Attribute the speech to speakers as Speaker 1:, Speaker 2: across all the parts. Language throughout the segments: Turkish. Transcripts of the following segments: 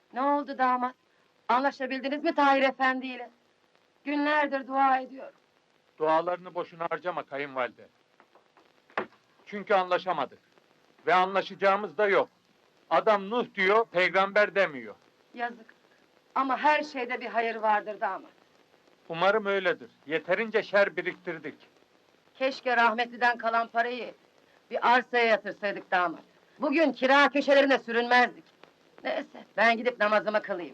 Speaker 1: Ne oldu damat? Anlaşabildiniz mi Tahir Efendi ile? Günlerdir dua ediyorum.
Speaker 2: Dualarını boşuna harcama kayınvalide. Çünkü anlaşamadık. Ve anlaşacağımız da yok. Adam Nuh diyor, peygamber demiyor.
Speaker 1: Yazık. Ama her şeyde bir hayır vardır damat.
Speaker 2: Umarım öyledir. Yeterince şer biriktirdik.
Speaker 1: Keşke rahmetliden kalan parayı bir arsaya yatırsaydık damat. Bugün kira köşelerine sürünmezdik. Neyse, ben gidip namazımı kılayım.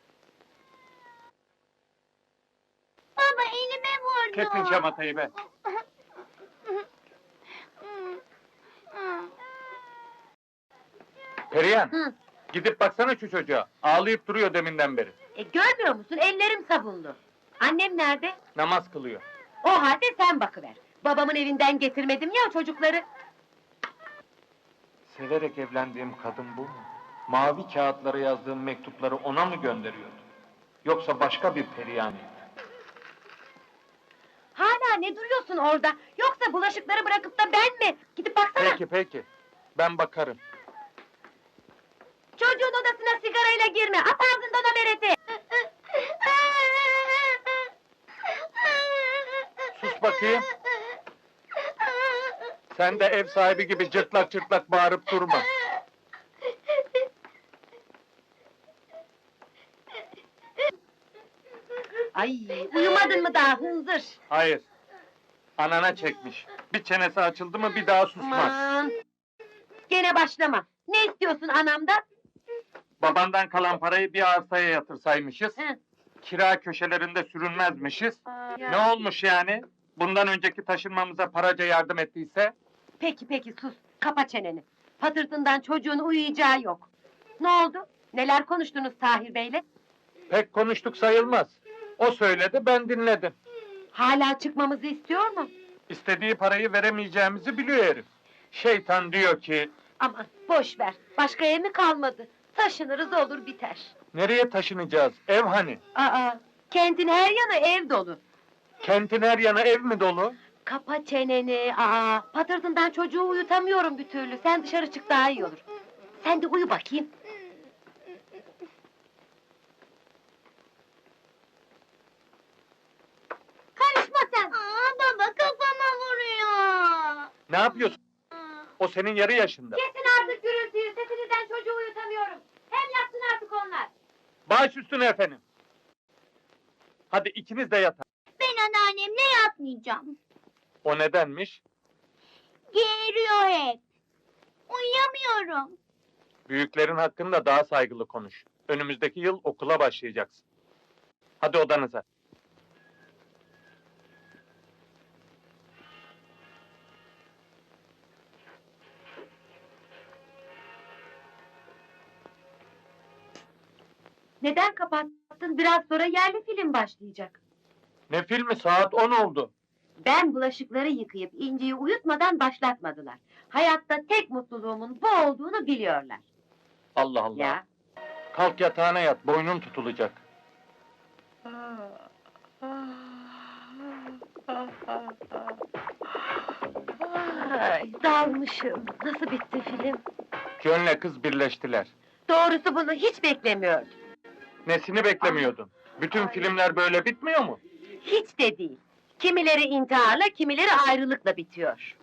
Speaker 3: Baba elime vurdu.
Speaker 2: Kesin şamatayı be. Perihan,
Speaker 1: Hı.
Speaker 2: gidip baksana şu çocuğa. Ağlayıp duruyor deminden beri.
Speaker 1: Görmüyor musun? Ellerim sabunlu. Annem nerede?
Speaker 2: Namaz kılıyor.
Speaker 1: O halde sen bakıver. Babamın evinden getirmedim ya çocukları.
Speaker 2: Severek evlendiğim kadın bu mu? Mavi kağıtlara yazdığım mektupları ona mı gönderiyordu? Yoksa başka bir Perihan mıydı?
Speaker 1: Hala ne duruyorsun orada? Yoksa bulaşıkları bırakıp da ben mi? Gidip baksana.
Speaker 2: Peki. Ben bakarım.
Speaker 1: Çocuğun odasına sigarayla girme. At ağzından o bereti.
Speaker 2: Sus bakayım. Sen de ev sahibi gibi cırtlak cırtlak bağırıp durma.
Speaker 1: Ay, uyumadın mı daha hınzır?
Speaker 2: Hayır. Anana çekmiş. Bir çenesi açıldı mı bir daha susmaz.
Speaker 1: Aman! Gene başlama. Ne istiyorsun anamdan?
Speaker 2: Babandan kalan parayı bir arsaya yatırsaymışız.
Speaker 1: Hı.
Speaker 2: Kira köşelerinde sürünmezmişiz. Ne olmuş yani? Bundan önceki taşınmamıza paraca yardım ettiyse?
Speaker 1: Peki sus. Kapa çeneni. Patırtından çocuğun uyuyacağı yok. Ne oldu? Neler konuştunuz Tahir Bey'le?
Speaker 2: Pek konuştuk sayılmaz. O söyledi, ben dinledim.
Speaker 1: Hala çıkmamızı istiyor mu?
Speaker 2: İstediği parayı veremeyeceğimizi biliyor herif. Şeytan diyor ki,
Speaker 1: Aman boş ver. Başka ev mi kalmadı? Taşınırız olur biter.
Speaker 2: nereye taşınacağız? Ev hani?
Speaker 1: Aa, kentin her yanı ev dolu.
Speaker 2: Kentin her yanı ev mi dolu?
Speaker 1: Kapa çeneni. Patırtından çocuğu uyutamıyorum bir türlü. Sen dışarı çık daha iyi olur. Sen de uyu bakayım. Karışma sen.
Speaker 3: Baba kafama vuruyor.
Speaker 2: Ne yapıyorsun? O senin yarı yaşında.
Speaker 1: Kesin artık gürültüyü. Sesinizden çocuğu uyutamıyorum. Hem yatsın artık onlar.
Speaker 2: Baş üstüne efendim. Hadi ikiniz de yatın.
Speaker 3: Ben anneannemle yatmayacağım.
Speaker 2: O nedenmiş?
Speaker 3: Geğiriyor hep. Uyuyamıyorum.
Speaker 2: Büyüklerin hakkında daha saygılı konuş. Önümüzdeki yıl okula başlayacaksın. Hadi odanıza.
Speaker 1: Neden kapattın? Biraz sonra yerli film başlayacak.
Speaker 2: Ne filmi? Saat 10 oldu.
Speaker 1: Ben bulaşıkları yıkayıp İnci'yi uyutmadan başlatmadılar. Hayatta tek mutluluğumun bu olduğunu biliyorlar.
Speaker 2: Allah Allah.
Speaker 1: Ya.
Speaker 2: Kalk yatağına yat, boynun tutulacak.
Speaker 1: Ay, dalmışım. Nasıl bitti film?
Speaker 2: Jön'le kız birleştiler.
Speaker 1: Doğrusu bunu hiç beklemiyordum.
Speaker 2: Nesini beklemiyordun? Bütün filmler böyle bitmiyor mu?
Speaker 1: Hiç de değil. Kimileri intiharla, kimileri ayrılıkla bitiyor.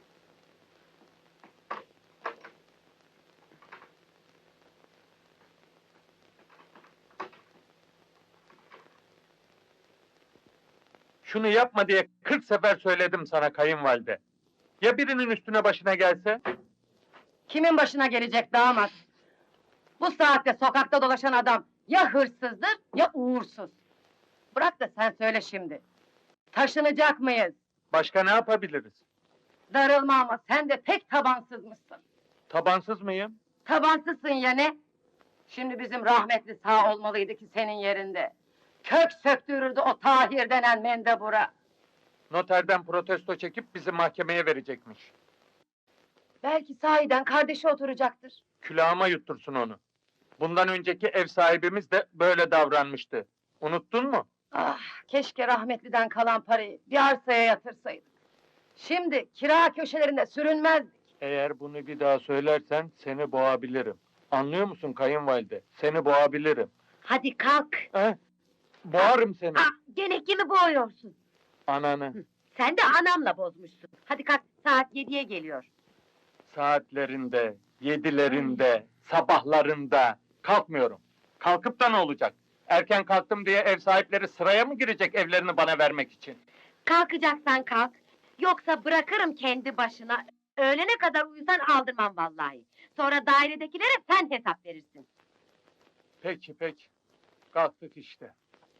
Speaker 2: Şunu yapma diye 40 sefer söyledim sana kayınvalide. Ya birinin üstüne başına gelse?
Speaker 1: Kimin başına gelecek damat? Bu saatte sokakta dolaşan adam ya hırsızdır ya uğursuz. Bırak da sen söyle şimdi. Taşınacak mıyız?
Speaker 2: Başka ne yapabiliriz?
Speaker 1: Darılma ama sen de pek tabansızmışsın.
Speaker 2: Tabansız mıyım?
Speaker 1: Tabansızsın ya ne? Şimdi bizim rahmetli sağ olmalıydı ki senin yerinde. Kök söktürürdü o Tahir denen mendebura.
Speaker 2: Noterden protesto çekip bizi mahkemeye verecekmiş.
Speaker 1: Belki sahiden kardeşi oturacaktır.
Speaker 2: Külahıma yuttursun onu. Bundan önceki ev sahibimiz de böyle davranmıştı. Unuttun mu?
Speaker 1: Ah, keşke rahmetliden kalan parayı bir arsaya yatırsaydık. Şimdi kira köşelerinde sürünmezdik.
Speaker 2: Eğer bunu bir daha söylersen seni boğabilirim. Anlıyor musun kayınvalide? Seni boğabilirim.
Speaker 1: Hadi kalk.
Speaker 2: He? Boğarım seni.
Speaker 1: Gene kimi boğuyorsun?
Speaker 2: Ananı.
Speaker 1: Sen de anamla bozmuşsun. Hadi kalk, saat 7'ye geliyor.
Speaker 2: Saatlerinde, yedilerinde, sabahlarında kalkmıyorum. Kalkıp da ne olacak? Erken kalktım diye ev sahipleri sıraya mı girecek evlerini bana vermek için?
Speaker 1: Kalkacaksan kalk. Yoksa bırakırım kendi başına. Öğlene kadar uyusan aldırmam vallahi. Sonra dairedekilere sen hesap verirsin.
Speaker 2: Peki peki. Kalktık işte.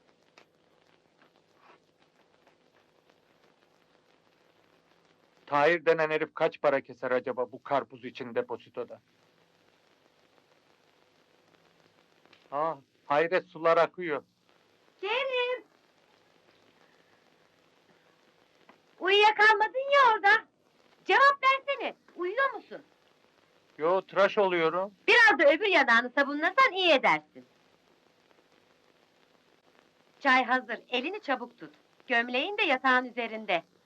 Speaker 2: Tahir denen herif kaç para keser acaba bu karpuz için depozitoda? Hayret sular akıyor.
Speaker 1: Kerim! Uyuyakalmadın ya orada. Cevap versene. Uyuyor musun?
Speaker 2: Yo, tıraş oluyorum.
Speaker 1: Biraz da öbür yanağını sabunlasan iyi edersin. Çay hazır. Elini çabuk tut. Gömleğin de yatağın üzerinde.